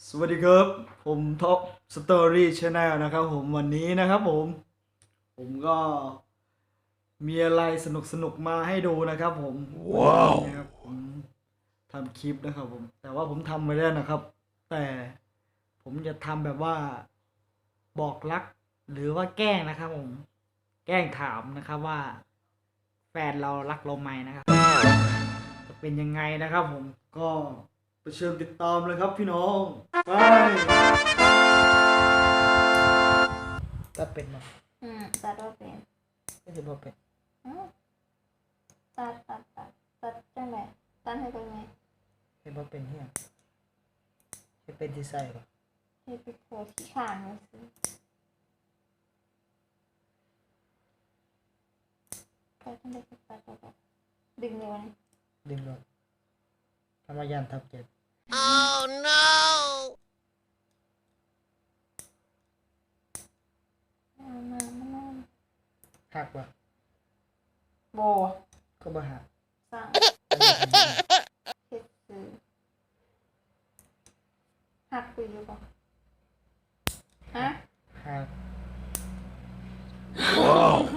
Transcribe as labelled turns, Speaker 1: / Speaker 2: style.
Speaker 1: สวัสดีครับ ผมท็อปสตอรี่ชาแนลนะครับผมวันนี้นะครับผมก็มีอะไรสนุกมาให้ดูนะครับผมว้าวนะครับผมทำคลิปนะครับผมแต่ว่าผมทำไปแล้วนะครับ แต่ผมจะทำแบบว่าบอกรักหรือว่าแกล้งนะครับผมแกล้งถามนะครับว่า แฟนเรารักเราไหมนะครับจะเป็นยังไงนะครับผมก็ไปเชิญติดตามเลยครับพี่น้องไป
Speaker 2: ตัดเป็นบ่
Speaker 3: ตัดว่าเป็น
Speaker 2: ก็จะบ่เป็น
Speaker 3: อืมตัดจังไดตัดให้เป็นไง
Speaker 2: เฮ็ดบ่เป็นเฮียเฮ็ดเป็นที่ใส่บ่
Speaker 3: ให้ไปโผล่ที่ข้างไว้สิตัดจังไดก็ตัดดึงเลยวะนี่
Speaker 2: ดึงลงธรรมยานทับเจ็บ
Speaker 3: มา
Speaker 2: หักบ่
Speaker 3: โบ
Speaker 2: ก็บ่หัก
Speaker 3: สร้างเฮ็ดซื้อหักไปอยู่บ่ฮะ
Speaker 2: หัก